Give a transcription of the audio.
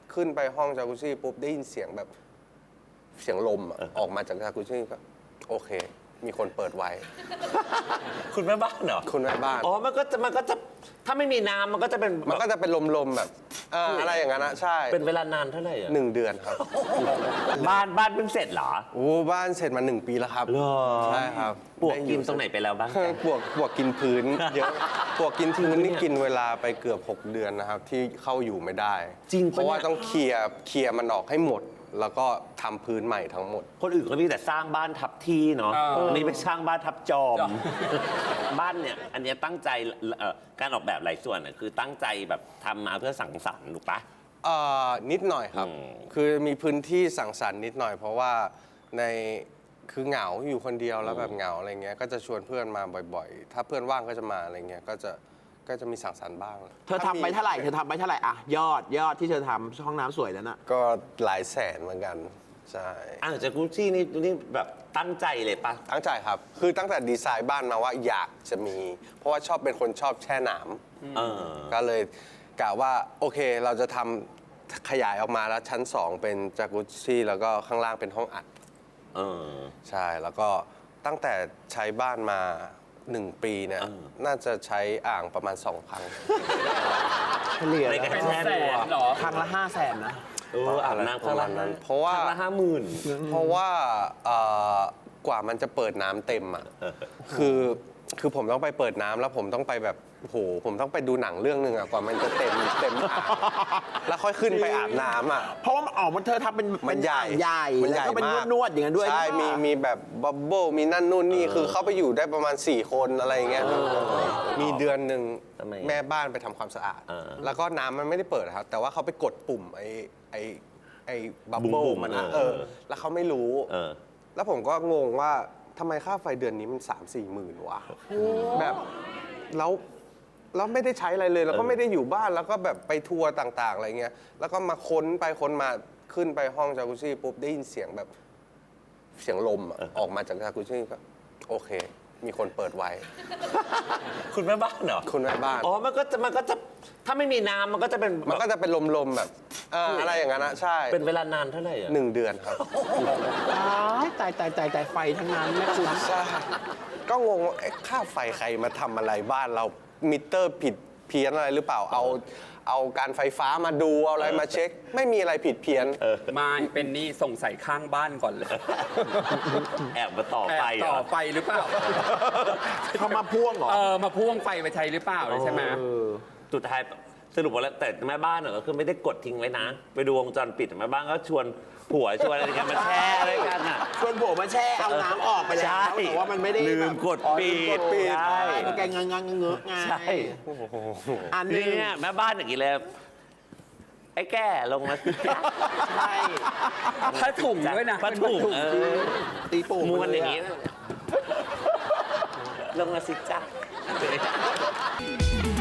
ขึ้นไปห้องจากุซี่ปุ๊บได้ยินเสียงแบบเสียงลมออกมาจากจากุซี่ก็โอเค มีคนเปิดไว้คุณแม่บ้านเหรอคุณแม่บ้านอ๋อมันก็จะถ้าไม่มีน้ำมันก็จะเป็นลมๆแบบอะไรอย่างนั้นนะใช่เป็นเวลานานเท่าไหร่อะ 1 เดือนครับบ้านเพิ่งเสร็จเหรอโอ้บ้านเสร็จมา1 ปีแล้วครับใช่ครับปวกกินตรงไหนไปแล้วบ้างปวกกินพื้นเยอะปวกกินพื้นนี่กินเวลาไปเกือบ6 เดือนนะครับที่เข้าอยู่ไม่ได้จริงเพราะว่าต้องเคลียร์มันออกให้หมดแล้วก็ทำพื้นใหม่ทั้งหมดคนอื่นก็มีแต่สร้างบ้านทับที่เนาะอันนี้ไปสร้างบ้านทับจอมบ้านเนี่ยอันนี้ตั้งใจการออกแบบหลายส่วนคือตั้งใจแบบทำมาเพื่อสังสรรค์ถูกปะนิดหน่อยครับคือมีพื้นที่สังสรรค์นิดหน่อยเพราะว่าคือเหงาอยู่คนเดียวแล้วแบบเหงาอะไรเงี้ยก็จะชวนเพื่อนมาบ่อยๆถ้าเพื่อนว่างก็จะมาอะไรเงี้ยก็จะมีสังสรรค์บ้างเธอทำไปเท่าไหร่อะยอดที่เธอทำห้องน้ำสวยแล้วน่ะก็หลายแสนเหมือนกันใช่จากกุชชี่นี่แบบตั้งใจเลยปะตั้งใจครับคือตั้งแต่ดีไซน์บ้านมาว่าอยากจะมีเพราะว่าเป็นคนชอบแช่น้ำก็เลยกะว่าโอเคเราจะทำขยายออกมาแล้วชั้น2เป็นจากุชชี่แล้วก็ข้างล่างเป็นห้องอัดใช่แล้วก็ตั้งแต่ใช้บ้านมา1 ปีเนี่ยน่าจะใช้อ่างประมาณ2 ครั้งเฉลี่ยในการแช่ตัวครั้งละ500,000นะอาบน้ำประมาณนั้นเพราะว่าครั้งละ50,000 เพราะว่ากว่ามันจะเปิดน้ำเต็มอ่ะคือผมต้องไปเปิดน้ำแล้วผมต้องไปแบบโหผมต้องไปดูหนังเรื่องนึงอ่ะกว่ามันจะเต็มอ่างแล้วค่อยขึ้นไปอาบน้ำอ่ะเพราะว่าเธอทำเป็นใหญ่แล้วก็เป็นนวดอย่างนั้นด้วยใช่มีแบบบับเบิ้ลมีนั่นนู่นนี่คือเข้าไปอยู่ได้ประมาณ4 คนอะไรอย่างเงี้ยมีเดือนหนึ่งแม่บ้านไปทำความสะอาดแล้วก็น้ำมันไม่ได้เปิดครับแต่ว่าเขาไปกดปุ่มไอ้บับเบิ้ลมันแล้วเขาไม่รู้แล้วผมก็งงว่าทำไมค่าไฟเดือนนี้มัน3-4 หมื่นวะแบบแล้วไม่ได้ใช้อะไรเลยแล้วก็ไม่ได้อยู่บ้านแล้วก็แบบไปทัวร์ต่างๆอะไรเงี้ยแล้วก็มาค้นไปค้นมาขึ้นไปห้องจากุซี่ปุ๊บได้ยินเสียงแบบเสียงลมออกมาจากจากุซี่ก็โอเค มีคนเปิดไว้คุณแม่บ้านเหรอคุณแม่บ้านอ๋อมันก็จะถ้าไม่มีน้ำมันก็จะเป็นลมๆแบบอะไรอย่างนั้นนะใช่เป็นเวลานานเท่าไหร่อะ 1 เดือนครับตายไฟทั้งนั้นแม่คุณใช่ก็งงว่าค่าไฟใครมาทำอะไรบ้านเรามิเตอร์ผิดเพี้ยนอะไรหรือเปล่าเอาการไฟฟ้ามาดูเอาอะไรมาเช็คไม่มีอะไรผิดเพี้ยนไม่เป็นนี่สงสัยข้างบ้านก่อนเลยแอบมาต่อไฟหรือเปล่าเขามาพ่วงเหรอมาพ่วงไฟไปใช้หรือเปล่าใช่ไหมสุดท้ายสรุปว่าแล้วแต่แม่บ้านเหรอก็คือไม่ได้กดทิ้งไว้นะไปดูวงจรปิดแม่บ้านก็ชวนผัวชวนอะไรกันมาแช่อะไรกันอ่ะชวนผัวมาแช่เอาน้ำออกไปแล้วแต่ว่ามันไม่ได้ลืมกดปิดใช่แกงังเงอะไงใช่อันนี้เนี่ยแม่บ้านอย่างนี้เลยไอ้แก่ลงมาใช่ผ้าถุงด้วยนะผ้าถุงตีปูม้วนอย่างนี้ลงมาสิจ้า